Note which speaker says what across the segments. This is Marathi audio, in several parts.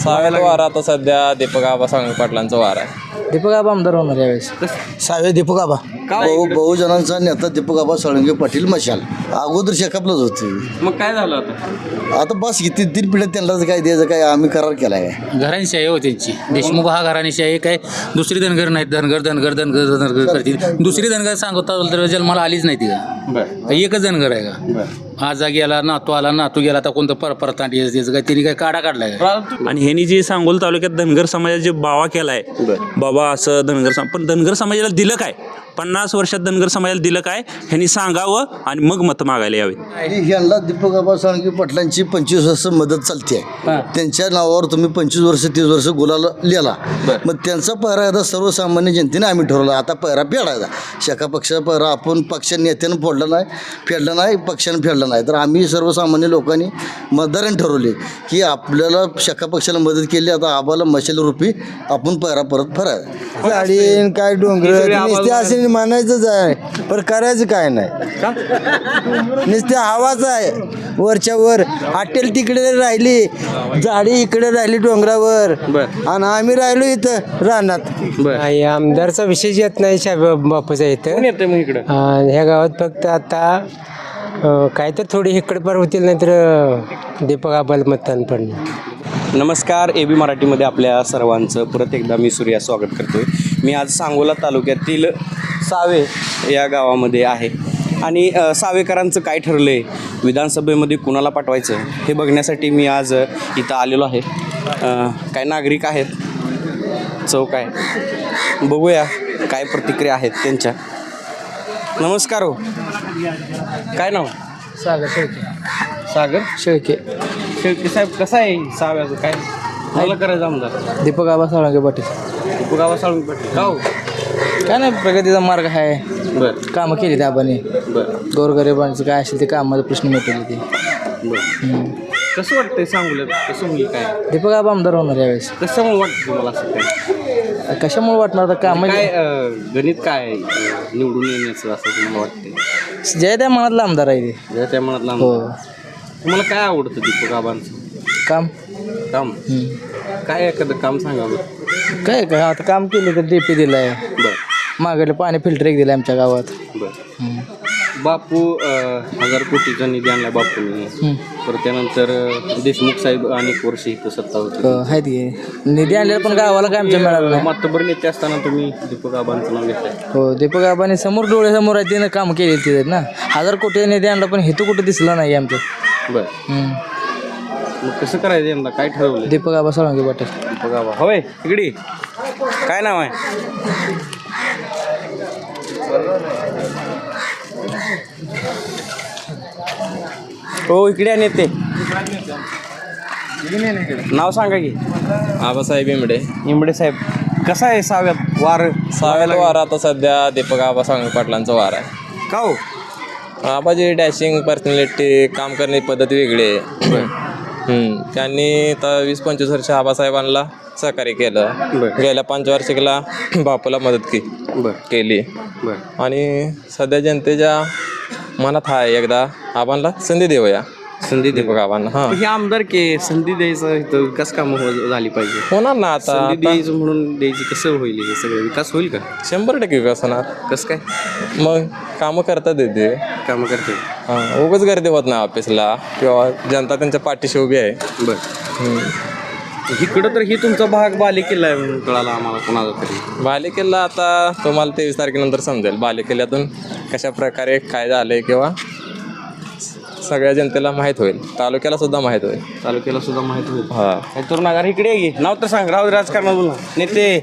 Speaker 1: साव्याचा वारा आता सध्या दीपक आबा साळुंखे पाटलांचा वारा आहे.
Speaker 2: दीपक आबा आमदार होणार यावेळेस.
Speaker 3: सावे दीपक आबा बहुजनांचा नेता दीपक आबा साळुंखे पाटील मशाल अगोदर शेकापलाच होते.
Speaker 4: मग काय झालं आता
Speaker 3: बस किती 3 पिढ्या त्यांनाच काय द्यायचं काय आम्ही करार केलाय काय.
Speaker 5: घराणीशाही हो त्यांची. देशमुख हा घराणीशाही काय दुसरी धनगर नाहीत. धनगर करतील. दुसरी धनगर सांगता तर जन्माला आलीच नाही ती का. एकच धनगर आहे का. आजा गेला नातू आला नातू गेला आता कोणतं परतांडी त्याचं काय तिने काय काढा काढलाय का.
Speaker 6: आणि ह्यांनी जे सांगोल तालुक्यात धनगर समाजाचा जे बावा केलाय बाबा असं धनगर पण धनगर समाजाला दिलं काय 50 वर्षात धनगर समाजाला दिलं काय ह्यांनी सांगावं आणि मग मतं मागायला यावे.
Speaker 3: ह्यांना दीपक आबा साळुंखे पाटलांची 25 वर्ष मदत चालते आहे. त्यांच्या नावावर तुम्ही 25 वर्ष 30 वर्ष गुलाल लिहिला मग त्यांचा पहिरा एकदा सर्वसामान्य जनतेने आम्ही ठरवला. आता पहिरा फेडायचा. शाखा पक्षाचा पहिरा आपण पक्ष नेत्यानं फेडला नाही पक्षानं फेडला नाही तर आम्ही सर्वसामान्य लोकांनी मतदारांनी ठरवले की आपल्याला शाखा पक्षाला मदत केली. आता आबाला मशाल रूपी आपण पहिरा परत फरायचा.
Speaker 7: गाडी काय डोंगर नुसते असे मानायचंच आहे पण करायचं काय नाही. नुसते हवाच आहे वरच्या वर. हॉटेल तिकडे राहिली झाडी इकडे राहिली डोंगरावर आणि आम्ही राहिलो इथं रानात.
Speaker 2: आमदारचा विषय येत नाही बापूचा इथं ह्या गावात फक्त आता काय तर थोडी इकडे पार होतील नाही तर दीपक आबाला मतदान पडणार.
Speaker 4: नमस्कार. AB मराठीमध्ये आपल्या सर्वांचं परत एकदा मी सूर्या स्वागत करतोय. मी आज सांगोला तालुक्यातील सावे या गावामध्ये आहे आणि सावेकरांचं काय ठरलं आहे विधानसभेमध्ये कुणाला पाठवायचं हे बघण्यासाठी मी आज इथं आलेलो आहे. काय नागरिक आहेत चौक आहे बघूया काय प्रतिक्रिया आहेत त्यांच्या. नमस्कार हो. काय नाव.
Speaker 2: सागर शेळके.
Speaker 4: सागर
Speaker 2: शेळके.
Speaker 4: शेळके साहेब कसं आहे साव्याचं काय मला करायचं आमदार.
Speaker 2: दीपक आबा साळुंखे पाटील.
Speaker 4: दीपक आबा साळुंखे पाटील का हो.
Speaker 2: काय नाही प्रगतीचा मार्ग आहे.
Speaker 4: बरं
Speaker 2: कामं केली त्या आबाने.
Speaker 4: बरं
Speaker 2: गोरगरिबांचं काय असेल ते कामाचा प्रश्न मिटवले ते.
Speaker 4: बरं कसं वाटतंय सांगू कसं होईल काय
Speaker 2: दीपक आबा आमदार होणार यावेळेस.
Speaker 4: कशामुळे वाटतं तुम्हाला असं काय
Speaker 2: कशामुळे वाटणार तर काम
Speaker 4: काय गणित काय आहे, निवडून येण्याचं असं तुम्हाला वाटतंय.
Speaker 2: जय त्या मनातला आमदार आहे ते.
Speaker 4: जर त्या मनातला
Speaker 2: हो.
Speaker 4: तुम्हाला काय आवडतं दीपक आबांचं
Speaker 2: काम
Speaker 4: काम. काय एखादं काम सांगावं.
Speaker 2: काय काय आता काम केलं तर DP दिलाय.
Speaker 4: बरं
Speaker 2: मागडलं पाणी फिल्टर एक दिलं आमच्या गावात.
Speaker 4: बरं. बापू 1000 कोटीचा निधी आणला बापूंनी. परत त्यानंतर देशमुख साहेब अनेक वर्ष इथं सत्ता होती.
Speaker 2: आहेत की निधी आणलेला पण गावाला काय आमच्या मिळालं नाही.
Speaker 4: मातबर नेते असताना तुम्ही दीपक आबांचं नाव घेतलंय.
Speaker 2: हो दीपक आबाने समोर डोळ्यासमोर आहे तिनं काम केले तिथे ना. 1000 कोटी निधी आणला पण हेतू कुठं दिसला नाही आमचं.
Speaker 4: बरं मग कसं करायचं यंदा काय ठरवलं.
Speaker 2: दीपक आबा साळुंखे पाटील.
Speaker 4: दीपक आबा होय इकडे काय नाव आहे. हो इकडे नेते नाव सांगा की.
Speaker 1: आबासाहेब
Speaker 4: इमडे साहेब. कसा आहे साव्यात वार.
Speaker 1: साव्याचा वारा आता सध्या दीपक आबा साळुंखे पाटलांचा वारा आहे.
Speaker 4: का हो.
Speaker 1: आबाची डॅशिंग पर्सनॅलिटी काम करण्याची पद्धत वेगळी आहे. त्यांनी तर 20-25 वर्ष आबासाहेबांना सहकार्य केलं. गेल्या पंचवार्षिकला बापूला मदत केली आणि सध्या जनतेच्या मनात आहे एकदा आबांना संधी देऊया.
Speaker 4: संधी
Speaker 1: दीपक आबांना. हां
Speaker 4: हे आमदार के संधी द्यायचं इथं विकास कामं झाली पाहिजे.
Speaker 1: होणार ना आता.
Speaker 4: संधी द्यायचं म्हणून द्यायची कसं होईल हे सगळं विकास होईल का.
Speaker 1: 100% विकास होणार.
Speaker 4: कसं काय.
Speaker 1: मग कामं करतात येते.
Speaker 4: कामं करते.
Speaker 1: हां उगाच गर्दी होत नाही ऑफिसला किंवा जनता त्यांच्या पाठीशी उभी आहे.
Speaker 4: बरं इकडं तर ही तुमचा भाग बालेकिल्ला आहे म्हणून कळाला आम्हाला कोणाला तरी.
Speaker 1: बालेकिल्ला आता तुम्हाला 23 तारखेनंतर समजेल. बालेकिल्ल्यातून कशा प्रकारे काय झालंय किंवा सगळ्या जनतेला माहीत होईल. तालुक्याला सुद्धा माहीत होईल.
Speaker 4: तालुक्याला सुद्धा माहीत होईल.
Speaker 1: हां
Speaker 4: काय तरुण नगर इकडे घे नाव तर सांग. राहू राजकारणात बोला नेते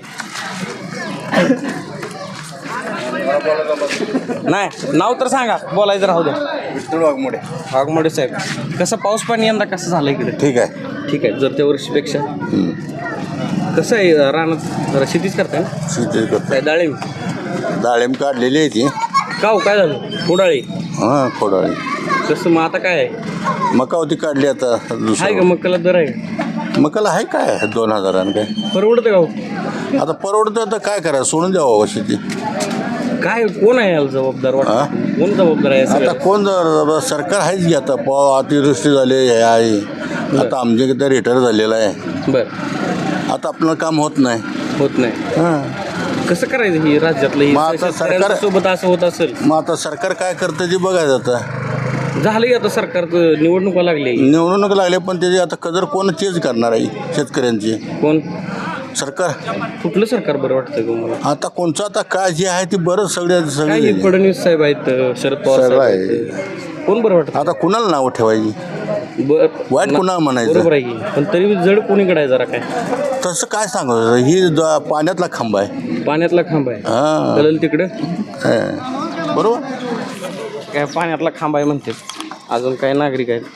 Speaker 4: नाही नाव तर सांगा बोलायचं राहू द्या.
Speaker 3: विठ्ठल वाघमोडे.
Speaker 4: वाघमोडे साहेब. कसं पाऊस पाणी यंदा कसं झालं इकडे.
Speaker 3: ठीक आहे.
Speaker 4: ठीक आहे जर त्या वर्षीपेक्षा. कसं आहे रानात जरा शेतीच करताय ना.
Speaker 3: शेती करतो.
Speaker 4: काय
Speaker 3: डाळिंब काढलेली आहे ती.
Speaker 4: का हो काय झालं उडाळी.
Speaker 3: हां खोडाळी.
Speaker 4: कसं मग आता काय आहे
Speaker 3: मका होती काढली आता
Speaker 4: आहे का मक्काला दर आहे.
Speaker 3: मकाला आहे काय 2000 काय
Speaker 4: परवडतं का हो.
Speaker 3: आता परवडतं आता काय करायचं सोडून द्यावं शेती.
Speaker 4: काय कोण आहे याला जबाबदार वाटतं. कोण जबाबदार आहे
Speaker 3: आता
Speaker 4: सगळं.
Speaker 3: कोण सरकार आहेच की आता अतिवृष्टी झाली हे आहे आता आमच्याकडे रिटायर झालेला आहे.
Speaker 4: बर
Speaker 3: आता आपलं काम होत नाही.
Speaker 4: होत नाही. कसं करायचं ही राज्यातलं
Speaker 3: मग आता सरकार-
Speaker 4: सोबत असं होत असेल.
Speaker 3: मग आता सरकार काय करतं ते बघायचं. आता
Speaker 4: झालं की आता सरकारचं निवडणुका लागली.
Speaker 3: निवडणूक लागले पण त्याची आता कदर कोण चेंज करणार आहे शेतकऱ्यांची?
Speaker 4: कोण
Speaker 3: सरकार.
Speaker 4: कुठलं सरकार बरं वाटतं तुम्हाला?
Speaker 3: आता कोणचं आता काय जे आहे ते बरं
Speaker 4: काय
Speaker 3: सगळे
Speaker 4: फडणवीस साहेब आहेत, शरद पवार
Speaker 3: साहेब
Speaker 4: साहेब
Speaker 3: आहे.
Speaker 4: आहेत. कोण बरं वाटतं?
Speaker 3: आता कुणाला नाव ठेवायची? वाईट कुणाला म्हणायचं?
Speaker 4: बरोबर आहे की, पण तरी जड कोणीकडे आहे जरा काय?
Speaker 3: तसं काय सांगू ही पाण्यातला खांब आहे.
Speaker 4: पाण्यातला खांब आहे.
Speaker 3: हा.
Speaker 4: कळलं तिकडं
Speaker 3: बरोबर.
Speaker 4: काय पाण्यातला खांब आहे म्हणते. अजून काय नागरिक आहेत?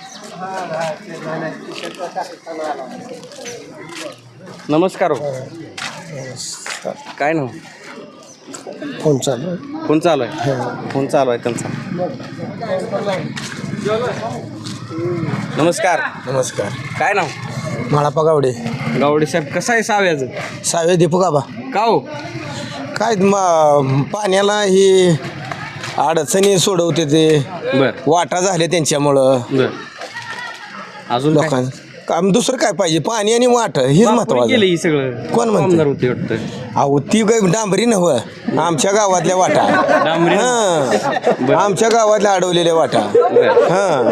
Speaker 4: नमस्कार हो. काय नाव?
Speaker 2: फोन चालू
Speaker 4: फोन चालू आहे. फोन चालू आहे त्यांचा. नमस्कार.
Speaker 2: नमस्कार.
Speaker 4: काय नाव?
Speaker 2: माळापा गावडे.
Speaker 4: गावडे साहेब, कसं आहे साव्याचं?
Speaker 2: सावे दीपक आबा.
Speaker 4: का हो?
Speaker 2: काय पाण्याला ही अडचणी सोडवते ते
Speaker 4: बर
Speaker 2: वाटा झाले त्यांच्यामुळं
Speaker 4: बर. अजून काय?
Speaker 2: लोकांना काम दुसरं काय पाहिजे? पाणी आणि वाट हेच
Speaker 4: बापूने
Speaker 2: महत्वाचं.
Speaker 4: केलं ही सगळं.
Speaker 2: कोण म्हणतं?
Speaker 4: आमदार होते वाटतं.
Speaker 2: अहो ती काय डांबरी नव्ह, आमच्या गावातल्या वाटा.
Speaker 4: डांबरी?
Speaker 2: हां, आमच्या गावातल्या अडवलेल्या वाटा. हां,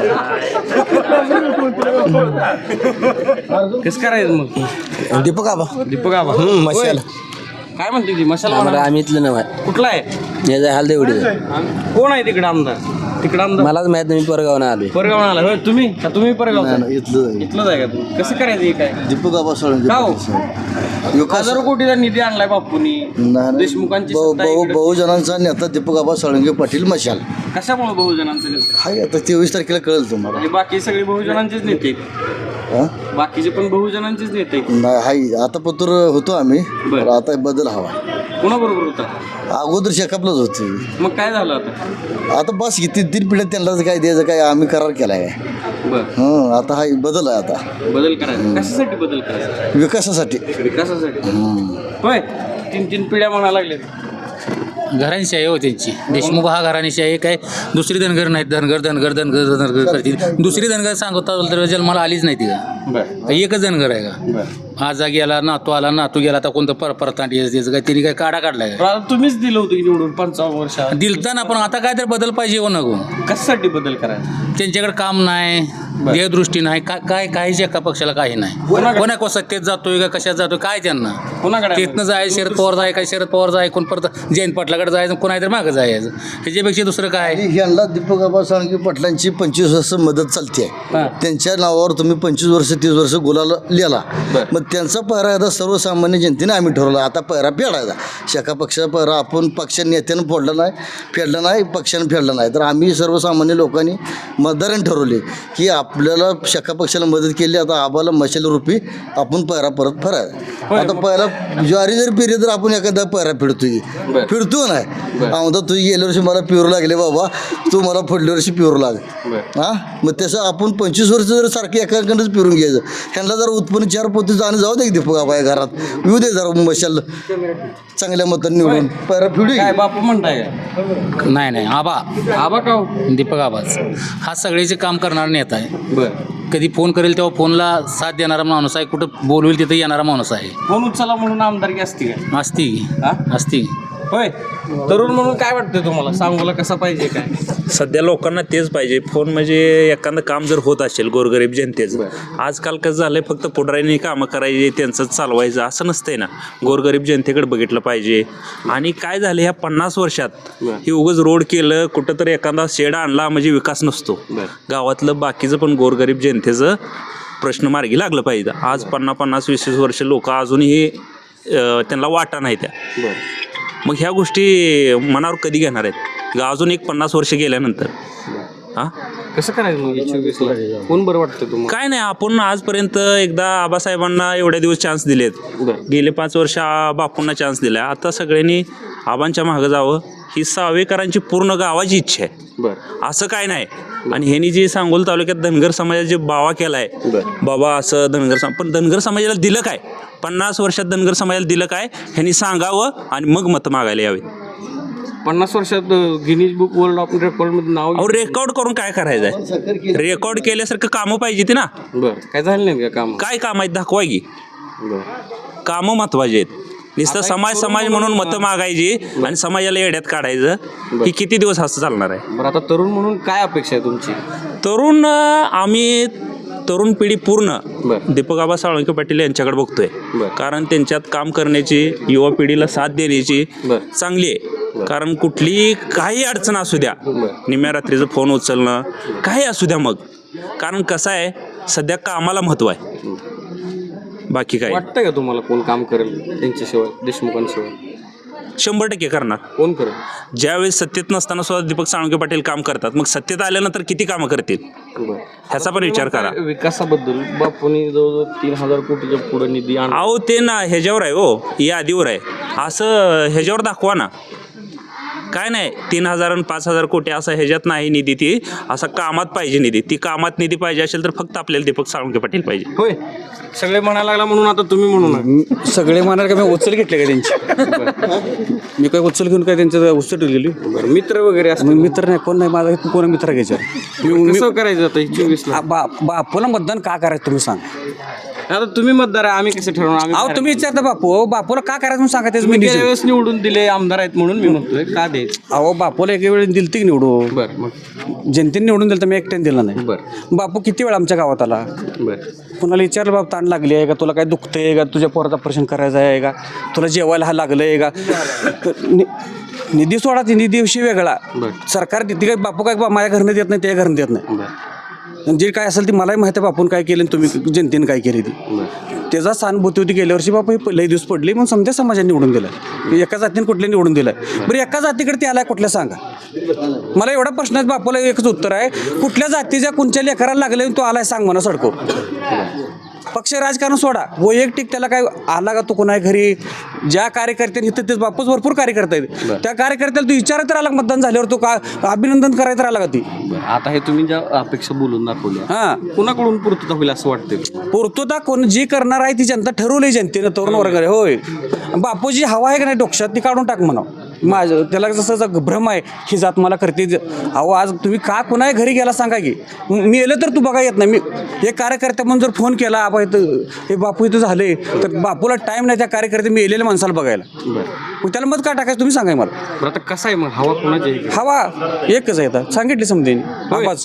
Speaker 4: कसं करायचं मग?
Speaker 2: दीपक आबा.
Speaker 4: दीपक आबा.
Speaker 2: मशाल.
Speaker 4: काय म्हणते ती मशाल?
Speaker 7: आम्ही इथलं नव्हे
Speaker 4: कुठला आहे?
Speaker 7: याचा हाल तेवढी
Speaker 4: कोण आहे तिकडे आमदार? तिकडे आमदार
Speaker 7: मलाच माहित नाही, मी परगावनं आलोय.
Speaker 4: परगाव आला होय तुम्ही? का तुम्ही परगाव
Speaker 3: इथलं
Speaker 4: इथलंच आहे का तुम्ही? कसं करायचं हे काय?
Speaker 3: दीपक आबा सोळंके
Speaker 4: का हो?
Speaker 3: विकास
Speaker 4: हजारो कोटीचा निधी आणलाय बापूंनी. देशमुखांची सत्ता आहे इकडे.
Speaker 3: बहुजनांचा नेता दीपक आबा सोळंके पाटील मशाल.
Speaker 4: कशामुळे बहुजनांचं नेते?
Speaker 3: हाय आता 23 तारखेला कळेल तुम्हाला.
Speaker 4: आणि बाकी सगळे बहुजनांचेच नेते आहेत.
Speaker 3: हा?
Speaker 4: बाकीचे पण बहुजनांचेच नेते आहेत.
Speaker 3: नाही हाय आता पत्र होतो आम्ही.
Speaker 4: बरं.
Speaker 3: पण आता बदल हवा.
Speaker 4: कोणाबरोबर होता?
Speaker 3: अगोदर शेकापलाच होती.
Speaker 4: मग काय झालं आता?
Speaker 3: आता बस किती 3 पिढ्या त्यांनाच काय द्यायचं काय आम्ही करार केलाय काय.
Speaker 4: बर
Speaker 3: आता हाय बदल आहे आता
Speaker 4: बदल करायचा. कशासाठी बदल करायचा?
Speaker 3: विकासासाठी.
Speaker 4: विकासासाठी. होय 3 पिढ्या म्हणायला लागले.
Speaker 5: घराणीशाही हो त्यांची. देशमुख हा घराणीशाही काय दुसरी धनगर नाहीत. धनगर धनगर धनगर धनगर करतील. दुसरी धनगर सांगता तर जन्माला आलीच नाही ती का? एकच धनगर आहे का? आजा गेला, नातू आला, नातू गेला, आता कोणतं परतांडी त्याचं काय तिने काय काढा काढलाय का?
Speaker 4: आता तुम्हीच दिलं होतं की निवडून 55 वर्षात.
Speaker 5: दिलता पण आता काय तर बदल पाहिजे हो नको.
Speaker 4: कशासाठी बदल करायचा?
Speaker 5: त्यांच्याकडे काम नाही, देहदृष्टी नाही, काय काहीच एका पक्षाला काही नाही. कोणा सत्तेत जातोय का कशात जातोय काय त्यांना?
Speaker 4: कोणाकडे आहे?
Speaker 5: तिथनं जायचं शरद पवार जाय काय शरद पवार जाय कोण परत जयंत पाटलाकडे जायचं कोणा तर मागं जायचं. ह्याच्यापेक्षा दुसरं काय?
Speaker 3: यांना दीपक आबा सोळंके पाटलांची 25 वर्ष मदत चालते. त्यांच्या नावावर तुम्ही 25 वर्ष 30 वर्ष गुलाल लिहिला. मग त्यांचा पहिरा आता सर्वसामान्य जनतेने आम्ही ठरवला. आता पहिरा फेडायचा. शाखा पक्षाचा पहिरा आपण पक्ष नेत्यानं फेडला नाही पक्षानं फेडला नाही. तर आम्ही सर्वसामान्य लोकांनी मतदारांनी ठरवले की आपल्याला शाखा पक्षाला मदत केली. आता आबाला मशाल रूपी आपण पहिरा परत फरायचा. आता पहिला ज्वारी जर पेरली तर आपण एखादा पहिरा फिरतो नाही. आमदा तू गेल्या वर्षी मला पिरू लागले बाबा, तू मला पुढल्या वर्षी पिरू लाग. हां, मग तसं आपण 25 वर्ष जर सारखे एकाकडंच पिरून घ्यायचं. ह्यांना जरा उत्पन्न 4 पोती जाणं जाऊ दे दीपक आबा या घरात येऊ दे जरा मशाल चांगल्या मतांनी निवडून पहिरा फिरू.
Speaker 4: काय बापू म्हणताय काय?
Speaker 5: नाही आबा
Speaker 4: आबा का हो?
Speaker 5: दीपक आबाच हा सगळेचे काम करणारा नेता आहे.
Speaker 4: बर.
Speaker 5: कधी फोन करेल तेव्हा फोनला साथ देणारा माणूस आहे. कुठं बोलवेल तिथं येणारा माणूस आहे.
Speaker 4: फोन उचला म्हणून आमदारकी असते काय?
Speaker 5: असती
Speaker 4: हा?
Speaker 5: असती.
Speaker 4: होय. तरुण म्हणून काय वाटतं तुम्हाला? सांगोला कसा पाहिजे काय?
Speaker 6: सध्या लोकांना तेच पाहिजे. फोन म्हणजे एखादं काम जर होत असेल गोरगरीब जनतेचं, आजकाल कसं झालंय फक्त पुढाऱ्यांनी कामं करायची त्यांचंच चालवायचं असं नसतंय ना. गोरगरीब जनतेकडे बघितलं पाहिजे. आणि काय झालं ह्या 50 वर्षात हे उगाच रोड केलं कुठंतरी एखादा शेड आणला म्हणजे विकास नसतो. गावातलं बाकीचं पण गोरगरीब जनतेचं प्रश्न मार्गी लागलं पाहिजे. आज 50-20 वर्ष लोक अजूनही त्यांना वाटा नाही त्या. मग ह्या गोष्टी मनावर कधी घेणार आहेत अजून एक 50 वर्ष गेल्यानंतर? हां,
Speaker 4: कसं करायचं मग 24ला? कोण बरं वाटतं तुम्हाला?
Speaker 6: काय नाही, आपण आजपर्यंत एकदा आबासाहेबांना एवढ्या दिवस चान्स दिलेत. गेले 5 वर्ष बापूंना चान्स दिला. आता सगळ्यांनी आबांच्या मागं जावं ही सावेकरांची पूर्ण गावाची इच्छा आहे. असं काय नाही. आणि ह्यांनी जे सांगोल तालुक्यात धनगर समाजाचा जे बावा केला आहे बाबा असं पण धनगर समाजाला दिलं काय? 50 वर्षात धनगर समाजाला दिलं काय ह्यांनी सांगावं आणि मग मतं मागायला यावे.
Speaker 4: 50 वर्षात गिनीज बुक वर्ल्ड ऑफ रेकॉर्डमध्ये नाव
Speaker 6: अहो रेकॉर्ड करून काय करायचंय? रेकॉर्ड केल्यासारखं कामं पाहिजे ती ना.
Speaker 4: बरं काय झालं नाही का काम?
Speaker 6: काय काम आहेत दाखवा की. कामं महत्वाचे आहेत. नुसतं समाज म्हणून मतं मागायची आणि समाजाला येड्यात काढायचं ही किती दिवस असं चालणार आहे?
Speaker 4: बरं आता तरुण म्हणून काय अपेक्षा आहे तुमची?
Speaker 6: आम्ही तरुण पिढी पूर्ण
Speaker 4: बरं.
Speaker 6: दीपक आबा साळुंखे पाटील यांच्याकडे बघतोय.
Speaker 4: बरं.
Speaker 6: कारण त्यांच्यात काम करण्याची, युवा पिढीला साथ देण्याची
Speaker 4: बरं.
Speaker 6: चांगली आहे. कारण कुठलीही काही अडचण असू द्या, निम्या रात्रीचं फोन उचलणं काही असू द्या मग. कारण कसं आहे सध्या कामाला महत्त्व आहे, बाकी काय.
Speaker 4: वाटतंय का तुम्हाला कोण काम करेल त्यांच्याशिवाय, देशमुखांशिवाय?
Speaker 6: 100% करणार.
Speaker 4: कोण करेल?
Speaker 6: ज्यावेळेस सत्तेत नसताना सुद्धा दीपक साळुंखे पाटील काम करतात, मग सत्तेत आल्यानंतर किती कामं करतील ह्याचा पण विचार करा.
Speaker 4: विकासाबद्दल बापूंनी जवळजवळ 3,000 कोटीच्या पुढे निधी
Speaker 6: अहो ते ना ह्याच्यावर आहे हो, यादीवर आहे. असं ह्याच्यावर दाखवा ना. काय नाही 3,000 आणि 5,000 कोटी असं ह्याच्यात नाही निधी. ती असा कामात पाहिजे निधी. ती कामात निधी पाहिजे असेल तर फक्त आपल्याला दीपक साळुंखे पाटील पाहिजे.
Speaker 4: होय सगळे म्हणायला लागला म्हणून आता तुम्ही म्हणून
Speaker 8: सगळे म्हणाल का मी उचल घेतले का त्यांची? मी काय उचल घेऊन काय त्यांचं उचल गेली?
Speaker 4: मित्र वगैरे असं
Speaker 8: मित्र नाही, कोण नाही माझा, कोण मित्र घ्यायचा.
Speaker 4: कसं करायचं आता 24ला?
Speaker 8: बापूला मतदान का करायचं तुम्ही सांग.
Speaker 4: आता तुम्ही मतदार आहे, आम्ही कसं ठरवणार? आम्ही
Speaker 8: अहो तुम्ही विचारता बापूला का करायचं म्हणून सांगा.
Speaker 4: तुम्ही गेल्या
Speaker 8: त्याच
Speaker 4: वेळेस निवडून दिले आमदार आहेत म्हणून मी म्हणतोय का द्यायचं?
Speaker 8: अहो बापूला एका वेळी दिलं की निवडून.
Speaker 4: बरं मग
Speaker 8: जनतेने निवडून दिलं तर मी एकट्याने दिला नाही.
Speaker 4: बरं
Speaker 8: बापू किती वेळा आमच्या गावात आला.
Speaker 4: बरं
Speaker 8: कुणाला विचारलं बाप ताण लागली आहे का, तुला काय दुखतंय का, तुझ्या पोराचं ऑपरेशन करायचं आहे का, तुला जेवायला हा लागलं आहे का. निधी सोडा, ती निधीविषयी वेगळा. सरकार ती काय बापू काय माझ्या घरनं देत नाही, त्या घरनं देत नाही. जे काय असेल ती मलाही माहिती आहे बापून काय केलं आणि तुम्ही जनतेने काय केली ती. त्याचा सहानुभूती होती गेल्या वर्षी बापू हे लई दिवस पडले म्हणून समजा समाजाने निवडून दिलं. एका जातीने कुठल्या निवडून दिलं. बरं एका जातीकडे ते आलाय कुठल्या सांगा मला. एवढा प्रश्न आहे बापूला एकच उत्तर आहे, कुठल्या जातीच्या कोणत्या लेकराला लागले तो आलाय सांग म्हणा सडको. पक्ष राजकारण सोडा, वैयक्तिक त्याला काय आला का तो कोणा घरी. ज्या कार्यकर्त्यांनी इथं तेच बापूच भरपूर कार्यकर्ते आहेत, त्या कार्यकर्त्याला तू विचारत राहिला मतदान झाल्यावर तो का अभिनंदन करायचं राहिला का ती.
Speaker 4: आता हे तुम्ही ज्या अपेक्षा बोलून दाखवल्या
Speaker 8: हां
Speaker 4: कुणाकडून पूर्तता होईल असं वाटतं?
Speaker 8: पूर्तता कोण जी करणार आहे ती जनता ठरवली, जनतेनं तरुण वर्गाने. होय बापूजी हवा आहे का नाही डोक्यात ती काढून टाक म्हणा. माझं त्याला जसं भ्रम आहे ही जात मला करते. अहो आज तुम्ही का कुणा घरी गेला सांगा की, मी येलं तर तू बघा येत नाही. मी एक कार्यकर्त्या म्हणून जर फोन केला आबा इथं हे बापू इथं झाले तर बापूला टाईम नाही त्या कार्यकर्ते मी येलेल्या माणसाला बघायला. मग त्याला मत का टाकायचं तुम्ही सांगाय मला.
Speaker 4: बरं आता कसं आहे मग हवा कोणाची?
Speaker 8: हवा एकच आहे आता सांगितली समजेन. आवाज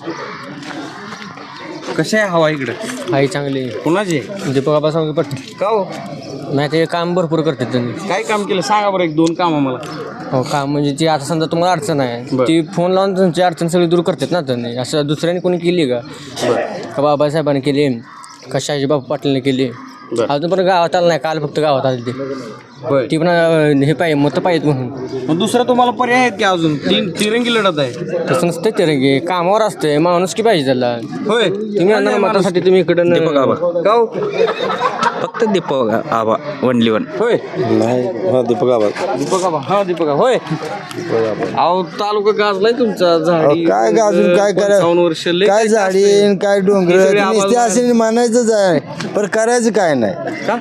Speaker 4: कशी आहे हवा इकडं?
Speaker 2: आई चांगली
Speaker 4: कोणाची?
Speaker 2: दीपक आबा साळुंखे पाटील.
Speaker 4: का हो?
Speaker 2: नाही ते काम भरपूर करतात त्यांनी.
Speaker 4: काय काम केलं सांगा बरं, 1-2 कामं मला.
Speaker 2: हो काम म्हणजे ती आता समजा तुम्हाला अडचण आहे ती फोन लावून तुमची अडचण सगळी दूर करतात ना त्यांनी. असं दुसऱ्याने कोणी केली का बाबासाहेबांनी केली का शहाजीबाबू पाटीलने केली. अजून पण गावात आलं नाही, काल फक्त गावात आली ती पण हे पाहिजे मतं पाहिजेत म्हणून.
Speaker 4: मग दुसरं तुम्हाला पर्याय आहेत की अजून? तिरंगी लढत आहे.
Speaker 2: तसं नसतं तिरंगी, कामावर असते माणूस की पाहिजे त्याला.
Speaker 4: होय
Speaker 2: तुम्ही आणणार मतासाठी तुम्ही इकडं
Speaker 1: दीपक आबा,
Speaker 4: का हो?
Speaker 1: फक्त दीपक आबा वनली वन.
Speaker 4: होय
Speaker 8: दीपक आबा.
Speaker 4: दीपक आबा. हा दीपक आबा. होय अहो तालुका गाजलाय तुमचा. झाडी
Speaker 7: काय गाजून काय
Speaker 4: 55 वर्ष लय
Speaker 7: काय
Speaker 4: जास्त
Speaker 7: झाडी
Speaker 4: आहे.
Speaker 7: काय डोंगर
Speaker 4: ही सगळी आबाल-
Speaker 7: नुसते असे म्हणायचंच आहे, पण करायचं काय नाही.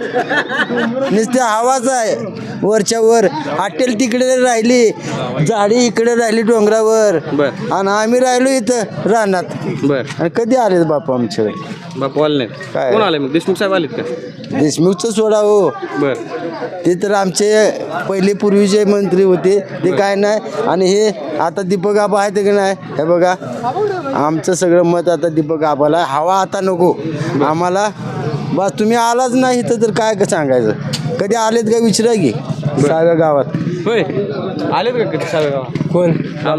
Speaker 7: नुसते हवाच आहे वरच्या वर. हॉटेल तिकडे राहिली, झाडी इकडे राहिली डोंगरावर, आणि आम्ही राहिलो इथं रानात.
Speaker 4: बर
Speaker 7: आणि कधी आले बापू आमच्याकडे?
Speaker 4: बापू आले नाहीत.
Speaker 7: काय?
Speaker 4: कोण आले मग? देशमुख साहेब आलेत का?
Speaker 7: देशमुखचं सोडा हो,
Speaker 4: बर
Speaker 7: ते तर आमचे पहिले पूर्वीचे मंत्री होते ते काय नाही. आणि हे आता दीपक आबा आहेत की नाही, हे बघा आमचं सगळं मत आता दीपक आबाला. हवा आता नको आम्हाला. बस तुम्ही आलाच नाही इथं तर काय सांगायचं. कधी आलेत का विचारा की सहाव्या गावात.
Speaker 4: होय आलेत का कधी साहेब गावात?
Speaker 2: कोण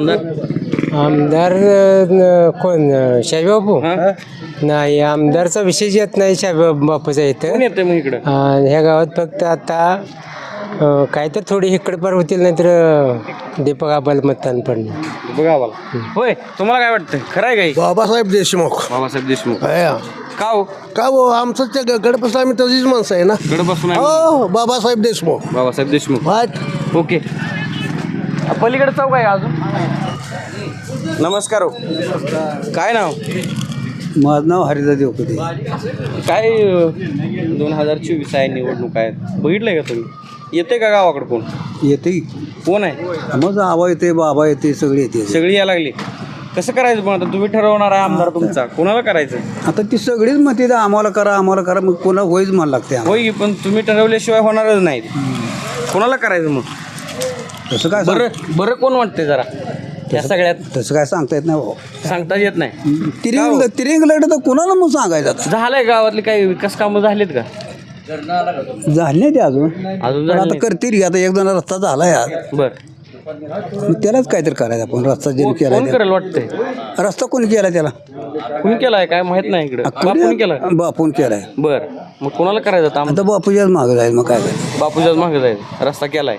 Speaker 2: आमदार कोण शाहीबापू? नाही आमदारचा विषय येत नाही शाहीबापूचा इथं.
Speaker 4: कोण येते मग इकडं?
Speaker 2: ह्या गावात फक्त आता काय तर थोडी इकडे पार होतील नाही तर दीपक आबाला मतदान पडणार.
Speaker 4: दीपक आबाला. होय तुम्हाला काय वाटतं खरं आहे काही?
Speaker 9: बाबासाहेब देशमुख.
Speaker 4: बाबासाहेब देशमुख.
Speaker 9: हा.
Speaker 4: का हो?
Speaker 9: का हो आमचं त्या गडपासून आम्ही तशीच माणसं आहे ना.
Speaker 4: गडपासून आहे.
Speaker 9: हो बाबासाहेब देशमुख.
Speaker 4: बाबासाहेब देशमुख.
Speaker 9: वाट
Speaker 4: ओके. पलीकडे चौक आहे अजून. नमस्कार हो. काय नाव?
Speaker 8: माझं नाव हरिदा देवकते.
Speaker 4: काय 2024 आहे निवडणूक आहेत, बघितलंय का तुम्ही? येते का गावाकडे कोण?
Speaker 8: येते
Speaker 4: कोण आहे
Speaker 8: मग आबा येते बाबा येते सगळे येते
Speaker 4: सगळी यायला लागली कसं करायचं पण आता तुम्ही ठरवणार आहे आमदार तुमचा कोणाला करायचं
Speaker 8: आता ती सगळीच म्हणते आम्हाला करा मग कोणा होईच मला लागते
Speaker 4: होय की, पण तुम्ही ठरवल्याशिवाय होणारच नाही कोणाला करायचं मग
Speaker 8: तसं काय
Speaker 4: बरं कोण वाटते जरा या सगळ्यात
Speaker 8: तसं काय सांगता येत नाही भाऊ
Speaker 4: सांगता येत नाही
Speaker 8: तिरिंग लढत तर कोणाला मग सांगायचं आता
Speaker 4: झालंय गावातले काही विकास कामं झालेत का
Speaker 8: झाले नाही ते अजून
Speaker 4: अजून
Speaker 8: पण
Speaker 4: झाले
Speaker 8: आता करतील की आता एक जण रस्ता झाला यार
Speaker 4: बर
Speaker 8: मग त्यालाच काहीतरी करायचं आपण रस्ता ज्याने केला
Speaker 4: कोण करेल वाटतंय
Speaker 8: रस्ता कोणी केला त्याला
Speaker 4: कुणी केलाय काय माहित नाही इकडे बापून केलाय
Speaker 8: बापून केलाय
Speaker 4: बर मग कोणाला करायचं आता
Speaker 8: आता बापूच्याच मागं जाईल मग काय करायचं
Speaker 4: बापूच्याच मागे जायचं रस्ता केलाय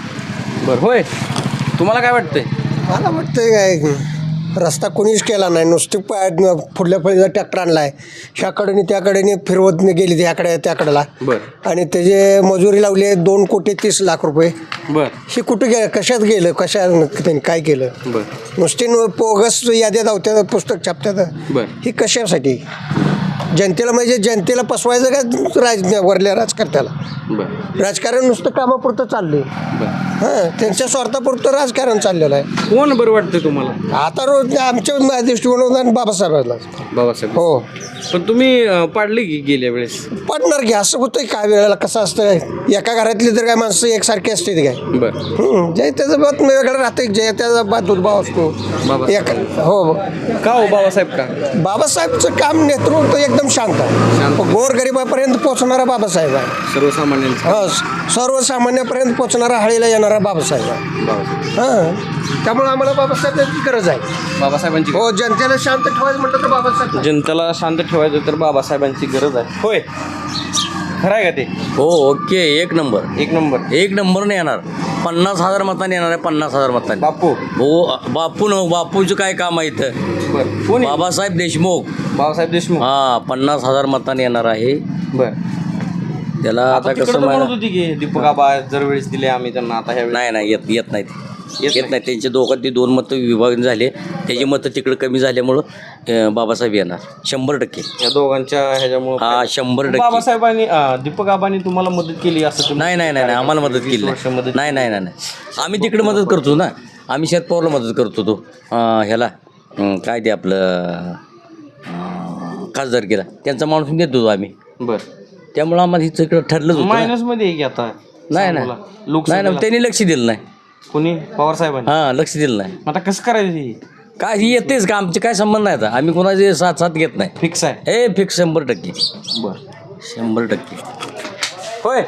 Speaker 4: बर होय तुम्हाला काय वाटतंय
Speaker 9: मला वाटतंय काय रस्ता कोणीच केला नाही नुसते पुढल्या फळीचा ट्रॅक्टर आणलाय ह्याकडे त्याकडे फिरवत गेली ह्याकडे त्याकडेला
Speaker 4: बर
Speaker 9: आणि त्याचे मजुरी लावली 2,30,00,000
Speaker 4: बर
Speaker 9: हे कुठे गेलं कशात गेलं त्यांनी काय केलं
Speaker 4: बर
Speaker 9: नुसते पोगस याद्या धावत्या पुस्तक छापतात
Speaker 4: बर
Speaker 9: ही कशासाठी जनतेला म्हणजे जनतेला पसवायचं का वरल्या राजकारत्याला
Speaker 4: बर
Speaker 9: राजकारण नुसतं कामापुरतं चाललंय
Speaker 4: बर
Speaker 9: हां त्यांच्या स्वार्थापुरतं राजकारण चाललेलं आहे
Speaker 4: कोण बरं वाटतंय तुम्हाला
Speaker 9: आता रोज आमच्या दृष्टिकोनातून बाबासाहेबांना
Speaker 4: बाबासाहेब
Speaker 9: हो
Speaker 4: पण तुम्ही पाडली की गेल्या वेळेस
Speaker 9: पडणार की असं होतं काय वेळेला कसं असतं एका घरातली तर काय माणसं एकसारखी असते काय
Speaker 4: बर
Speaker 9: जे त्याचं बात वेगळं राहतं जे त्याचा बात दुर्भाव असतो एक हो
Speaker 4: का हो बाबासाहेब का
Speaker 9: बाबासाहेबचं काम नेतृत्व एकदम शांत आहे गोरगरिबापर्यंत पोहोचणारा बाबासाहेब आहे
Speaker 4: सर्वसामान्यांचा
Speaker 9: हो सर्वसामान्यापर्यंत पोहोचणारा हळीला येणारा बाबासाहेब आहे हां त्यामुळे आम्हाला बाबासाहेबांची गरज आहे
Speaker 4: बाबासाहेबांची
Speaker 9: हो जनतेला शांत ठेवायचं म्हटलं तर बाबासाहेब
Speaker 4: जनतेला शांत ठेवायचं तर बाबासाहेबांची गरज आहे होय खरं आहे का ते
Speaker 10: हो ओके एक नंबर नाही येणार 50,000 मतांनी येणार आहे 50,000 मतांनी
Speaker 4: बापू
Speaker 10: हो बापूचं काय काम आहे इथं
Speaker 4: बर कोण
Speaker 10: बाबासाहेब देशमुख
Speaker 4: बाबासाहेब
Speaker 10: 50,000 मतांनी येणार आहे
Speaker 4: बर
Speaker 10: त्याला आता कसं
Speaker 4: म्हणत होती की दीपक आबा जर वेळेस दिले आम्ही त्यांना आता ह्या
Speaker 10: नाही येत नाही त्यांचे दोघांनी 2 मतं विभागून झाले त्याची मतं तिकडे कमी झाल्यामुळं बाबासाहेब येणार 100%
Speaker 4: या दोघांच्या ह्याच्यामुळे
Speaker 10: 100%
Speaker 4: बाबासाहेबांनी दीपक आबांनी तुम्हाला मदत केली असं तुम्ही
Speaker 10: नाही आम्हाला मदत केली नाही आम्ही तिकडे मदत करतो ना आम्ही शरद पवारला मदत करतो तो ह्याला काय ते आपलं खासदारकीला त्यांचा माणूस देतो आम्ही
Speaker 4: बर
Speaker 10: त्यामुळं आम्हाला हिचं इकडं ठरलंच होतं
Speaker 4: मायनस मध्ये की आता
Speaker 10: नाही त्यांनी लक्ष दिलं नाही
Speaker 4: कोणी पवार साहेबांनी
Speaker 10: लक्ष दिलं नाही
Speaker 4: आता कसं करायचं
Speaker 10: काय ही येतेच का आमचे काय संबंध नाही आता आम्ही कोणाचे साथ घेत नाही
Speaker 4: फिक्स आहे
Speaker 10: हे फिक्स 100%
Speaker 4: बर
Speaker 10: 100%
Speaker 4: होय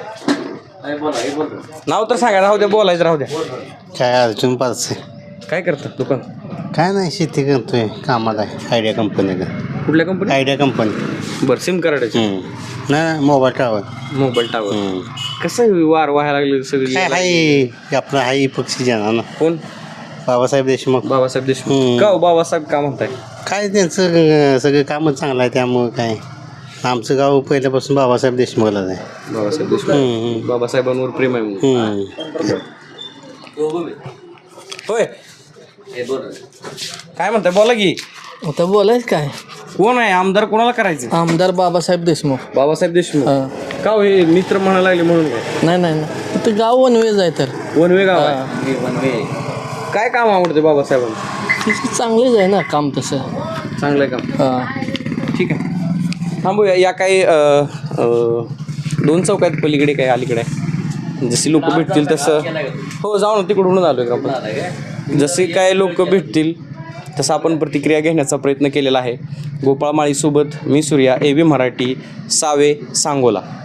Speaker 4: नाव तर सांगा राहू द्या बोलायचं राहू द्या
Speaker 7: काय अडचण पाच
Speaker 4: काय करतात दुकान
Speaker 7: काय नाही शेती करतोय कामाला आयडिया कंपनीला
Speaker 4: कुठल्या कंपनी
Speaker 7: आयडिया कंपनी
Speaker 4: बरं सिम कार्डाची
Speaker 7: नाही मोबाईल टावर
Speaker 4: मोबाईल टावर कसं वार व्हायला लागले सगळी
Speaker 7: काय हाय आपलं हाय पक्षी जाणार ना
Speaker 4: कोण
Speaker 7: बाबासाहेब देशमुख
Speaker 4: का हो बाबासाहेब का म्हणताय
Speaker 7: काय त्यांचं सगळं कामच चांगलं आहे त्यामुळं काय आमचं गाव पहिल्यापासून बाबासाहेब देशमुखलाच आहे
Speaker 4: बाबासाहेब देशमुख बाबासाहेबांवर प्रेम आहे म्हणून. होय काय म्हणताय बोला की
Speaker 11: आता बोलायच काय
Speaker 4: कोण आहे आमदार कोणाला करायचं
Speaker 11: आमदार बाबासाहेब देशमुख
Speaker 4: का हो हे मित्र म्हणायला लागले म्हणून काय
Speaker 11: नाही इथं गाव वनवेज आहे तर
Speaker 4: वनवे गाव आहे काय काम आवडते बाबासाहेबांना
Speaker 11: चांगलेच आहे ना काम तसं
Speaker 4: चांगलं आहे काम ठीक आहे थांबूया या काही 2 चौकात पलीकडे काय अलीकडे जशी लोक भेटतील तसं हो जाऊ ना तिकडून आलो आहे आपण जसे काय लोक भेटतील तसं आपण प्रतिक्रिया घेण्याचा प्रयत्न केलेला आहे. गोपाळ माळीसोबत मी सूर्या, AB मराठी, सावे, सांगोला.